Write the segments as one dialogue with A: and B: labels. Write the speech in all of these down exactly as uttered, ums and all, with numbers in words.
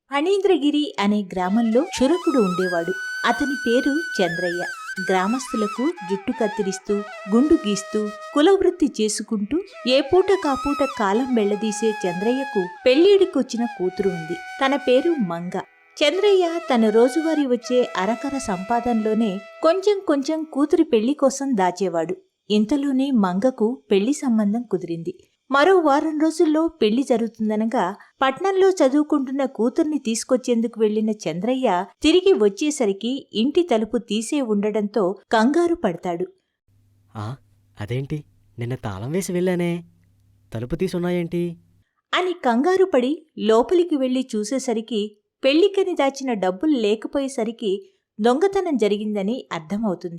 A: ఫణీంద్రగిరి అనే గ్రామంలో క్షురకుడు ఉండేవాడు. అతని పేరు చంద్రయ్య. గ్రామస్తులకు జుట్టు కత్తిరిస్తూ, గుండు గీస్తూ, కులవృత్తి చేసుకుంటూ ఏ పూట కాపూట కాలం వెళ్లదీసే చంద్రయ్యకు పెళ్లిడికొచ్చిన కూతురు ఉంది. తన పేరు మంగ. చంద్రయ్య తన రోజువారీ వచ్చే అరకర సంపాదనలోనే కొంచెం కొంచెం కూతురి పెళ్లి కోసం దాచేవాడు. ఇంతలోనే మంగకు పెళ్లి సంబంధం కుదిరింది. మరో వారం రోజుల్లో పెళ్లి జరుగుతుందనగా పట్నంలో చదువుకుంటున్న కూతుర్ని తీసుకొచ్చేందుకు వెళ్లిన చంద్రయ్య తిరిగి వచ్చేసరికి ఇంటి తలుపు తీసే ఉండడంతో కంగారు పడతాడు.
B: ఆ అదేంటి, నిన్న తాళం వేసి వెళ్ళానే, తలుపు తీసున్నాయేంటి
A: అని కంగారు పడి లోపలికి వెళ్లి చూసేసరికి పెళ్లికని దాచిన డబ్బులు లేకపోయేసరికి దొంగతనం జరిగిందని అర్థమవుతుంది.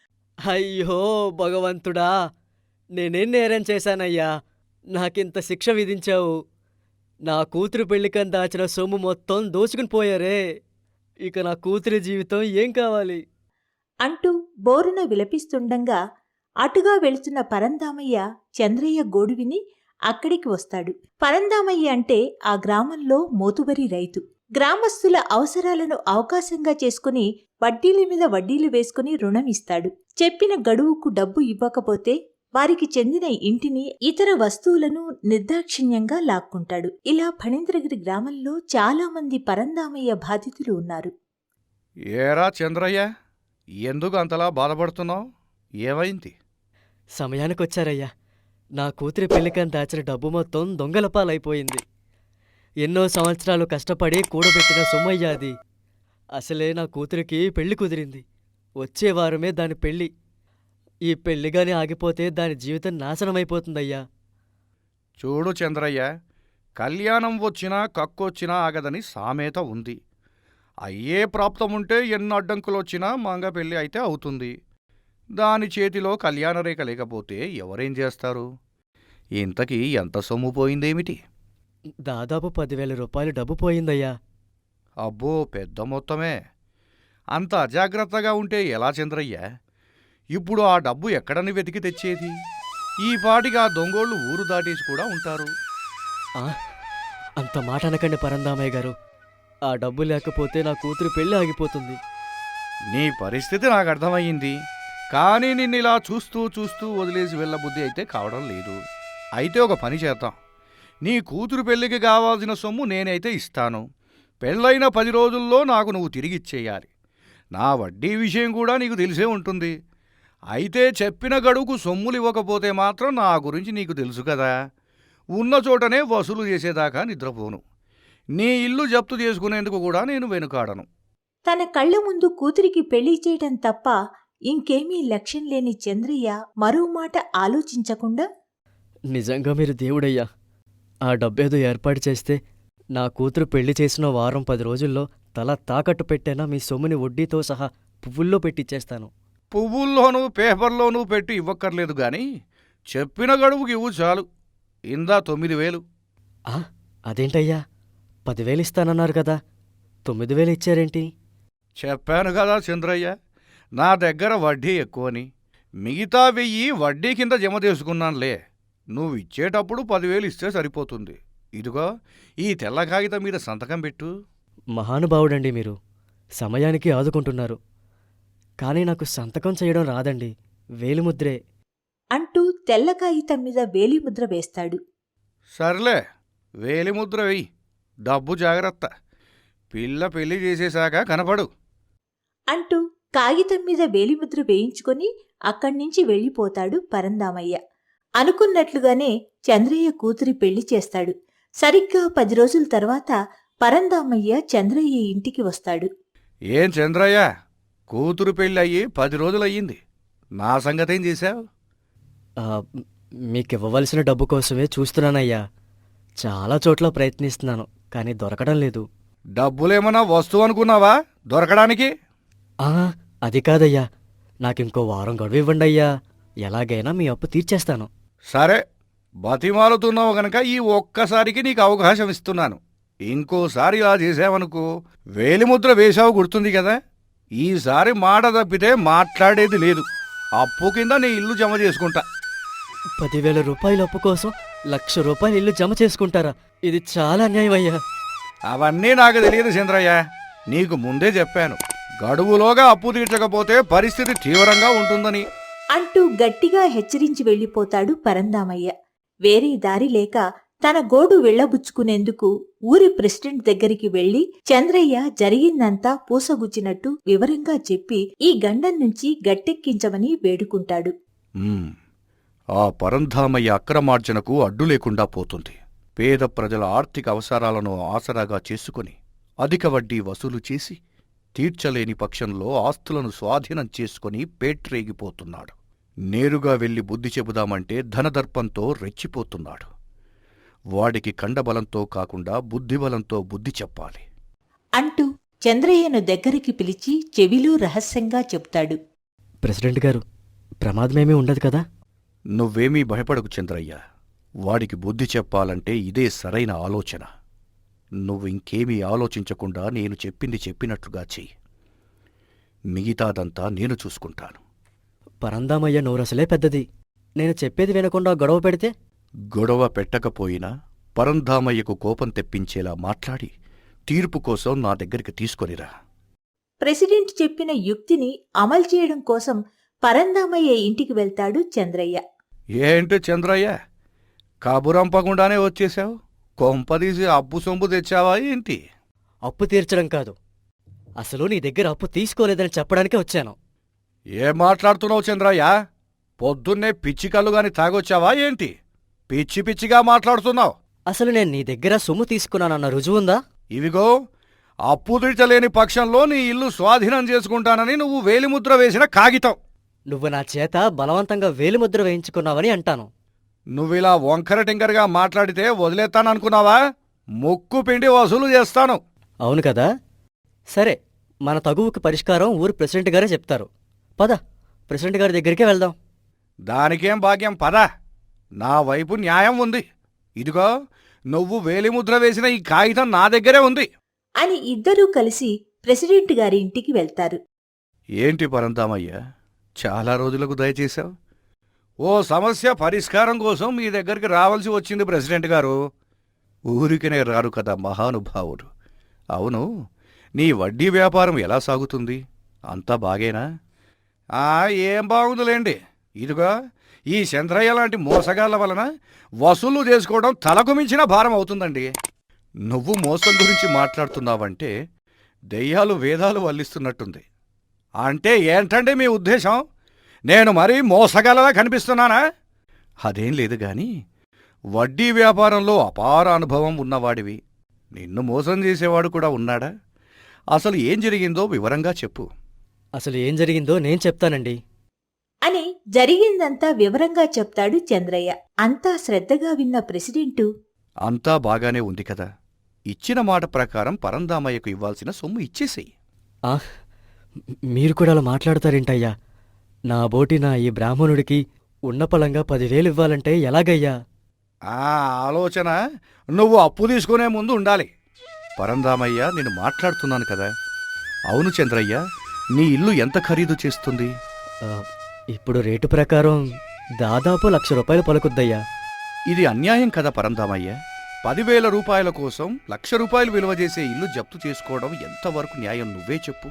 B: అయ్యో భగవంతుడా, నేనేం నేరం చేశానయ్యా, నాకింత శిక్ష విధించావు. నా కూతురు పెళ్లికని దాచిన సొమ్ము మొత్తం దోచుకుని పోయారే, ఇక నా కూతురి జీవితం ఏం కావాలి
A: అంటూ బోరున విలపిస్తుండగా అటుగా వెళుతున్న పరందామయ్య చంద్రయ్య గోడు విని అక్కడికి వస్తాడు. పరందామయ్య అంటే ఆ గ్రామంలో మోతుబరి రైతు. గ్రామస్తుల అవసరాలను అవకాశంగా చేసుకుని వడ్డీల మీద వడ్డీలు వేసుకుని రుణం ఇస్తాడు. చెప్పిన గడువుకు డబ్బు ఇవ్వకపోతే వారికి చెందిన ఇంటిని, ఇతర వస్తువులను నిర్దాక్షిణ్యంగా లాక్కుంటాడు. ఇలా ఫణీంద్రగిరి గ్రామంలో చాలా మంది పరందామయ్య బాధితులు ఉన్నారు.
C: ఏరా చంద్రయ్య, ఎందుకు అంతలా బాధపడుతున్నావు? ఏమైంది?
B: సమయానికొచ్చారయ్యా. నా కూతురి పెళ్లికని దాచిన డబ్బు మొత్తం దొంగల పాలైపోయింది. ఎన్నో సంవత్సరాలు కష్టపడి కూడబెట్టిన సొమ్మయ్యా అది. అసలే నా కూతురికి పెళ్లి కుదిరింది. వచ్చే వారమే దాని పెళ్లి. ఈ పెళ్లిగాని ఆగిపోతే దాని జీవితం నాశనమైపోతుందయ్యా.
C: చూడు చంద్రయ్య, కళ్యాణం వచ్చినా కక్కొచ్చినా ఆగదని సామెత ఉంది. అయ్యే ప్రాప్తముంటే ఎన్ని అడ్డంకులొచ్చినా మంగ పెళ్ళి అయితే అవుతుంది. దాని చేతిలో కళ్యాణరేఖ లేకపోతే ఎవరేం చేస్తారు? ఇంతకీ ఎంత సొమ్ము పోయిందేమిటి?
B: దాదాపు పదివేల రూపాయలు డబ్బు పోయిందయ్యా.
C: అబ్బో, పెద్ద మొత్తమే. అంత అజాగ్రత్తగా ఉంటే ఎలా చంద్రయ్య? ఇప్పుడు ఆ డబ్బు ఎక్కడని వెతికి తెచ్చేది? ఈ పాటికి ఆ దొంగోళ్ళు ఊరు దాటేసి కూడా ఉంటారు.
B: ఆ, అంత మాట అనకండి పరందామయ్య గారు. ఆ డబ్బు లేకపోతే నా కూతురు పెళ్లి ఆగిపోతుంది.
C: నీ పరిస్థితి నాకు అర్థమయ్యింది, కానీ నిన్నిలా చూస్తూ చూస్తూ వదిలేసి వెళ్ళబుద్ధి అయితే కావడం లేదు. అయితే ఒక పని చేద్దాం. నీ కూతురు పెళ్లికి కావాల్సిన సొమ్ము నేనైతే ఇస్తాను. పెళ్ళైన పది రోజుల్లో నాకు నువ్వు తిరిగిచ్చేయాలి. నా వడ్డీ విషయం కూడా నీకు తెలిసే ఉంటుంది. అయితే చెప్పిన గడువుకు సొమ్ములు ఇవ్వకపోతే మాత్రం నా గురించి నీకు తెలుసు కదా. ఉన్న చోటనే వసూలు చేసేదాకా నిద్రపోను. నీ ఇల్లు జప్తు చేసుకునేందుకు కూడా నేను వెనుకాడను.
A: తన కళ్ల ముందు కూతురికి పెళ్లి చేయటం తప్ప ఇంకేమీ లక్ష్యం లేని చంద్రయ్య మరో మాట ఆలోచించకుండా,
B: నిజంగా మీరు దేవుడయ్యా. ఆ డబ్బేదో ఏర్పాటు చేస్తే నా కూతురు పెళ్లి చేసిన వారం పది రోజుల్లో తల తాకట్టు పెట్టైనా మీ సొమ్ముని వడ్డీతో సహా పువ్వుల్లో పెట్టిచ్చేస్తాను.
C: పువ్వుల్లోనూ పేపర్లోనూ పెట్టి ఇవ్వక్కర్లేదు గాని చెప్పిన గడువుకి ఇవ్వు చాలు. ఇందా తొమ్మిది వేలు.
B: ఆ, అదేంటయ్యా, పదివేలు ఇస్తానన్నారు కదా, తొమ్మిది వేలు ఇచ్చారేంటి?
C: చెప్పాను కదా చంద్రయ్య, నా దగ్గర వడ్డీ ఎక్కువని. మిగతా వెయ్యి వడ్డీ కింద జమ చేసుకున్నానులే. నువ్వు ఇచ్చేటప్పుడు పదివేలు ఇస్తే సరిపోతుంది. ఇదిగో ఈ తెల్ల కాగితం మీద సంతకం పెట్టు.
B: మహానుభావుడండి మీరు, సమయానికి ఆదుకుంటున్నారు. కానీ నాకు సంతకం చేయడం రాదండి, వేలిముద్రే
A: అంటూ తెల్ల కాగితం మీద వేలిముద్ర వేస్తాడు.
C: సర్లే, వేలిముద్ర వెయ్యి. డబ్బు జాగ్రత్త. పిల్ల పెళ్లి చేసేశాక కనపడు
A: అంటూ కాగితం మీద వేలిముద్ర వేయించుకొని అక్కడ్నుంచి వెళ్ళిపోతాడు పరందామయ్య. అనుకున్నట్లుగానే చంద్రయ్య కూతురి పెళ్లి చేస్తాడు. సరిగ్గా పది రోజుల తర్వాత పరందామయ్య చంద్రయ్య ఇంటికి వస్తాడు.
C: ఏం చంద్రయ్య, కూతురు పెళ్ళి అయ్యి పది రోజులయ్యింది. నా సంగతేం చేశావు?
B: మీకివ్వవలసిన డబ్బు కోసమే చూస్తున్నానయ్యా. చాలా చోట్ల ప్రయత్నిస్తున్నాను, కానీ దొరకడం లేదు.
C: డబ్బులేమన్నా వస్తువు అనుకున్నావా దొరకడానికి?
B: ఆ, అది కాదయ్యా, నాకింకో వారం గడువు ఇవ్వండి అయ్యా. ఎలాగైనా మీ అప్పు తీర్చేస్తాను.
C: సరే, బతిమాలుతున్నావు గనక ఈ ఒక్కసారికి నీకు అవకాశం ఇస్తున్నాను. ఇంకోసారి ఇలా చేసావనుకో, వేలిముద్ర వేశావు గుర్తుంది కదా. ఈసారి మాట తప్పితే మాట్లాడేది లేదు. అప్పు కింద నీ ఇల్లు జమ చేసుకుంటా.
B: పదివేల రూపాయల అప్పు కోసం లక్ష రూపాయలు ఇల్లు జమ చేసుకుంటారా? ఇది చాలా అన్యాయం అయ్యా.
C: అవన్నీ నాకు తెలియదు చంద్రయ్య. నీకు ముందే చెప్పాను, గడువులోగా అప్పు తీర్చకపోతే పరిస్థితి తీవ్రంగా ఉంటుందని.
A: అంటూ గట్టిగా హెచ్చరించి వెళ్ళిపోతాడు పరందామయ్య. వేరే దారి లేక తన గోడు వెళ్లబుచ్చుకునేందుకు ఊరి ప్రెసిడెంట్ దగ్గరికి వెళ్లి చంద్రయ్య జరిగిందంతా పూసగుచ్చినట్టు వివరంగా చెప్పి ఈ గండం నుంచి గట్టెక్కించమని వేడుకుంటాడు.
C: ఉమ్, ఆ పరంధామయ్య అక్రమార్జనకు అడ్డు లేకుండా పోతుంది. పేద ప్రజల ఆర్థిక అవసరాలను ఆసరాగా చేసుకుని అధిక వడ్డీ వసూలు చేసి తీర్చలేని పక్షంలో ఆస్తులను స్వాధీనం చేసుకుని పేట్రేగిపోతున్నాడు. నేరుగా వెళ్లి బుద్ధి చెబుదామంటే ధనదర్పంతో రెచ్చిపోతున్నాడు. వాడికి కండబలంతో కాకుండా బుద్ధిబలంతో బుద్ధి చెప్పాలి
A: అంటూ చంద్రయ్యను దగ్గరికి పిలిచి చెవిలో రహస్యంగా చెప్తాడు.
B: ప్రెసిడెంట్ గారు, ప్రమాదమేమీ ఉండదు కదా?
C: నువ్వేమీ భయపడకు చంద్రయ్య. వాడికి బుద్ధి చెప్పాలంటే ఇదే సరైన ఆలోచన. నువ్వు ఇంకేమీ ఆలోచించకుండా నేను చెప్పింది చెప్పినట్లుగా చెయ్యి. మిగతాదంతా నేను చూసుకుంటాను.
B: పరందామయ్య నోరసలే పెద్దది. నేను చెప్పేది వినకుండా గొడవ పెడితే?
C: గొడవ పెట్టకపోయినా పరంధామయ్యకు కోపం తెప్పించేలా మాట్లాడి తీర్పు కోసం నా దగ్గరికి తీసుకొనిరా.
A: ప్రెసిడెంట్ చెప్పిన యుక్తిని అమలు చేయడం కోసం పరందామయ్య ఇంటికి వెళ్తాడు చంద్రయ్య.
C: ఏంటి చంద్రయ్య, కబురంపకుండానే వచ్చేశావు? కొంపదీసి అప్పు సొంపు తెచ్చావా ఏంటి?
B: అప్పు తీర్చడం కాదు, అసలు నీ దగ్గర అప్పు తీసుకోలేదని చెప్పడానికే వచ్చాను.
C: ఏం మాట్లాడుతున్నావు చంద్రయ్య? పొద్దున్నే పిచ్చి కళ్ళుగాని తాగొచ్చావా ఏంటి? పిచ్చి పిచ్చిగా మాట్లాడుతున్నావు.
B: అసలు నేను నీ దగ్గర సొమ్ము తీసుకున్నానన్న రుజువుందా?
C: ఇవిగో, అప్పు తీర్చలేని పక్షంలో నీ ఇల్లు స్వాధీనం చేసుకుంటానని నువ్వు వేలిముద్ర వేసిన కాగితం.
B: నువ్వు నా చేత బలవంతంగా వేలిముద్ర వేయించుకున్నావని అంటాను.
C: నువ్విలా వంకర టింకరగా మాట్లాడితే వదిలేస్తాననుకున్నావా? ముక్కు పిండి వసూలు చేస్తాను.
B: అవును కదా? సరే, మన తగువుకి పరిష్కారం ఊరు ప్రెసిడెంట్ గారే చెప్తారు. పద, ప్రెసిడెంట్ గారి దగ్గరికే వెళ్దాం.
C: దానికేం భాగ్యం, పద. నా వైపు న్యాయం ఉంది. ఇదిగో, నువ్వు వేలిముద్ర వేసిన ఈ కాగితం నా దగ్గరే ఉంది
A: అని ఇద్దరూ కలిసి ప్రెసిడెంట్ గారి ఇంటికి వెళ్తారు.
C: ఏంటి పరందామయ్య, చాలా రోజులకు దయచేశావు. ఓ సమస్య పరిష్కారం కోసం మీ దగ్గరికి రావాల్సి వచ్చింది ప్రెసిడెంట్ గారు. ఊరికనే రారు కదా మహానుభావుడు. అవును, నీ వడ్డీ వ్యాపారం ఎలా సాగుతుంది? అంతా బాగేనా? ఆ ఏం బాగుందిలేండి. ఇదిగో, ఈ చంద్రయ్య లాంటి మోసగాళ్ల వలన వసూలు చేసుకోవడం తలకు మించిన భారం అవుతుందండి. నువ్వు మోసం గురించి మాట్లాడుతున్నావంటే దెయ్యాలు వేదాలు వల్లిస్తున్నట్టుంది. అంటే ఏంటండి మీ ఉద్దేశం? నేను మరీ మోసగలలా కనిపిస్తున్నానా? అదేం లేదు గాని, వడ్డీ వ్యాపారంలో అపార అనుభవం ఉన్నవాడివి. నిన్ను మోసం చేసేవాడు కూడా ఉన్నాడా? అసలు ఏం జరిగిందో వివరంగా చెప్పు.
B: అసలు ఏం జరిగిందో నేను చెప్తానండి
A: అని జరిగిందంతా వివరంగా చెప్తాడు చంద్రయ్య. అంతా శ్రద్ధగా విన్న ప్రెసిడెంటు,
C: అంతా బాగానే ఉంది కదా, ఇచ్చిన మాట ప్రకారం పరందామయ్యకు ఇవ్వాల్సిన సొమ్ము ఇచ్చేసేయి.
B: ఆ, మీరు కూడా అలా మాట్లాడతారేంటయ్యా? నా బోటి నా ఈ బ్రాహ్మణుడికి ఉన్నపళంగా పదివేలు ఇవ్వాలంటే ఎలాగయ్యా?
C: ఆ ఆలోచన నువ్వు అప్పు తీసుకునే ముందు ఉండాలి. పరందామయ్య, నేను మాట్లాడుతున్నాను కదా. అవును చంద్రయ్య, నీ ఇల్లు ఎంత ఖరీదు చేస్తుంది?
B: ఆ, ఇప్పుడు రేటు ప్రకారం దాదాపు లక్ష రూపాయలు పలుకుద్దయ్యా.
C: ఇది అన్యాయం కదా పరందామయ్య. పదివేల రూపాయల కోసం లక్ష రూపాయలు విలువ చేసే ఇల్లు జప్తు చేసుకోవడం ఎంతవరకు న్యాయం? నువ్వే చెప్పు.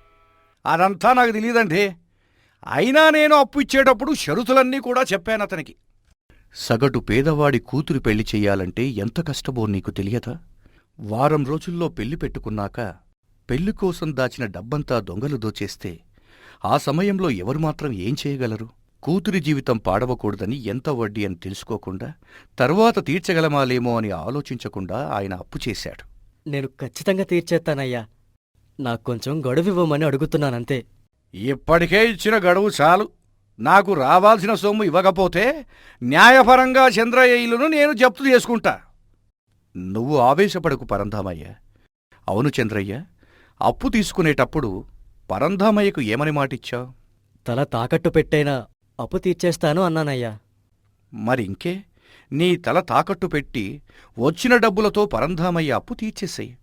C: అదంతా నాకు తెలియదండి. అయినా నేను అప్పు ఇచ్చేటప్పుడు షరతులన్నీ కూడా చెప్పాను అతనికి. సగటు పేదవాడి కూతురు పెళ్లి చెయ్యాలంటే ఎంత కష్టమో నీకు తెలియదా? వారం రోజుల్లో పెళ్లి పెట్టుకున్నాక పెళ్లి కోసం దాచిన డబ్బంతా దొంగలు దోచేస్తే ఆ సమయంలో ఎవరు మాత్రం ఏం చేయగలరు? కూతురి జీవితం పాడవకూడదని ఎంత వడ్డీ అని తెలుసుకోకుండా తర్వాత తీర్చగలమాలేమో అని ఆలోచించకుండా ఆయన అప్పు చేశాడు.
B: నేను ఖచ్చితంగా తీర్చేస్తానయ్యా. నాకు కొంచెం గడువివ్వమని అడుగుతున్నానంతే.
C: ఇప్పటికే ఇచ్చిన గడువు చాలు. నాకు రావాల్సిన సొమ్ము ఇవ్వకపోతే న్యాయపరంగా చంద్రయ్య ఇల్లును నేను జప్తు చేసుకుంటా. నువ్వు ఆవేశపడకు పరంధామయ్య. అవును చంద్రయ్య, అప్పు తీసుకునేటప్పుడు పరంధామయ్యకు ఏమని మాటిచ్చావు?
B: తల తాకట్టు పెట్టైనా అప్పు తీర్చేస్తాను అన్నానయ్యా.
C: మరి ఇంకే, నీ తల తాకట్టు పెట్టి వచ్చిన డబ్బులతో పరంధామయ్య అప్పు తీర్చేసేయి.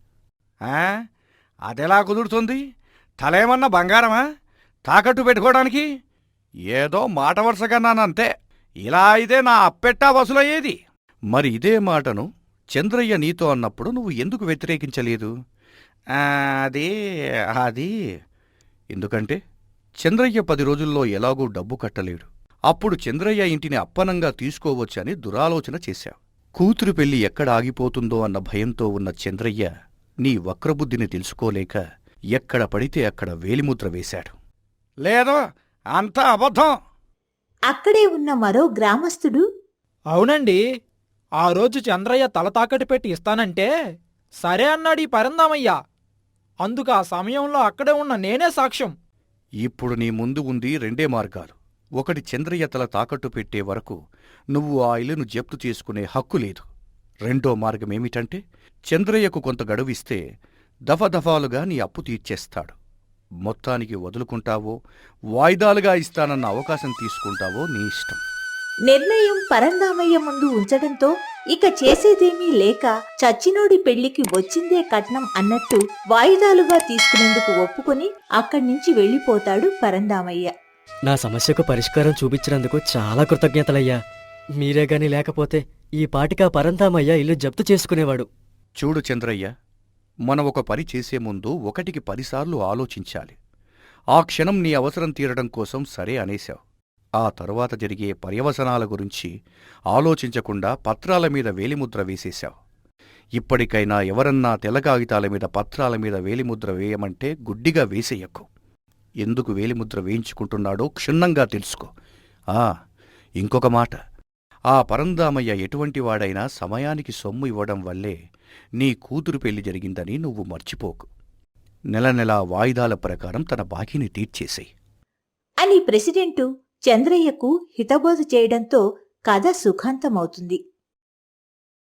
C: అదెలా కుదురుతుంది? తలేమన్నా బంగారమా తాకట్టు పెట్టుకోవడానికి? ఏదో మాట వరుసగన్నానంతే. ఇలా అయితే నా అప్పెట్టా వసూలయ్యేది. మరి ఇదే మాటను చంద్రయ్య నీతో అన్నప్పుడు నువ్వు ఎందుకు వ్యతిరేకించలేదు? "ఆ, అదే అది ఎందుకంటే చంద్రయ్య పది రోజుల్లో ఎలాగూ డబ్బు కట్టలేడు. అప్పుడు చంద్రయ్య ఇంటిని అప్పనంగా తీసుకోవచ్చని దురాలోచన చేశావు. కూతురు పెళ్లి ఎక్కడ ఆగిపోతుందో అన్న భయంతో ఉన్న చంద్రయ్య నీ వక్రబుద్ధిని తెలుసుకోలేక ఎక్కడ పడితే అక్కడ వేలిముద్ర వేశాడు." లేదో అంతా అబద్ధం.
A: అక్కడే ఉన్న మరో గ్రామస్థుడు,
D: అవునండి, ఆ రోజు చంద్రయ్య తల తాకట్టు పెట్టి ఇస్తానంటే సరే అన్నాడు ఈ పరందామయ్య. అందుకు ఆ సమయంలో అక్కడే ఉన్న నేనే సాక్ష్యం.
C: ఇప్పుడు నీ ముందు ఉంది రెండే మార్గాలు. ఒకటి, చంద్రయ్య తల తాకట్టు పెట్టే వరకు నువ్వు ఆ ఇల్లును జప్తు చేసుకునే హక్కు లేదు. రెండో మార్గమేమిటంటే చంద్రయ్యకు కొంత గడువిస్తే దఫదఫాలుగా నీ అప్పు తీర్చేస్తాడు. మొత్తానికి వదులుకుంటావో వాయిదాలుగా ఇస్తానన్న అవకాశం తీసుకుంటావో నీ ఇష్టం.
A: నిర్ణయం పరందామయ్య ముందు ఉంచడంతో ఇక చేసేదేమీ లేక చచ్చినోడి పెళ్లికి వచ్చిందే కట్నం అన్నట్టు వాయిదాలుగా తీసుకునేందుకు ఒప్పుకొని అక్కడి నుంచి వెళ్ళిపోతాడు పరందామయ్య.
B: నా సమస్యకు పరిష్కారం చూపించినందుకు చాలా కృతజ్ఞతలయ్యా. మీరే గాని లేకపోతే ఈ పాటికా పరంధామయ్య ఇల్లు జప్తు చేసుకునేవాడు.
C: చూడు చంద్రయ్య, మనం ఒక పని చేసే ముందు ఒకటికి పదిసార్లు ఆలోచించాలి. ఆ క్షణం నీ అవసరం తీరడం కోసం సరే అనేశావు. ఆ తరువాత జరిగే పర్యవసనాల గురించి ఆలోచించకుండా పత్రాల మీద వేలిముద్ర వేసేశావు. ఇప్పటికైనా ఎవరన్నా తెల్ల కాగితాల మీద పత్రాల మీద వేలిముద్ర వేయమంటే గుడ్డిగా వేసేయకు. ఎందుకు వేలిముద్ర వేయించుకుంటున్నాడో క్షుణ్ణంగా తెలుసుకో. ఆ ఇంకొక మాట, ఆ పరందామయ్య ఎటువంటి వాడైనా సమయానికి సొమ్ము ఇవ్వడం వల్లే నీ కూతురు పెళ్లి జరిగిందని నువ్వు మర్చిపోకు. నెల నెలా వాయిదాల ప్రకారం తన బాకీని తీర్చేసేయ్
A: అని ప్రెసిడెంటు చంద్రయ్యకు హితబోధ చేయడంతో కథ సుఖాంతమవుతుంది.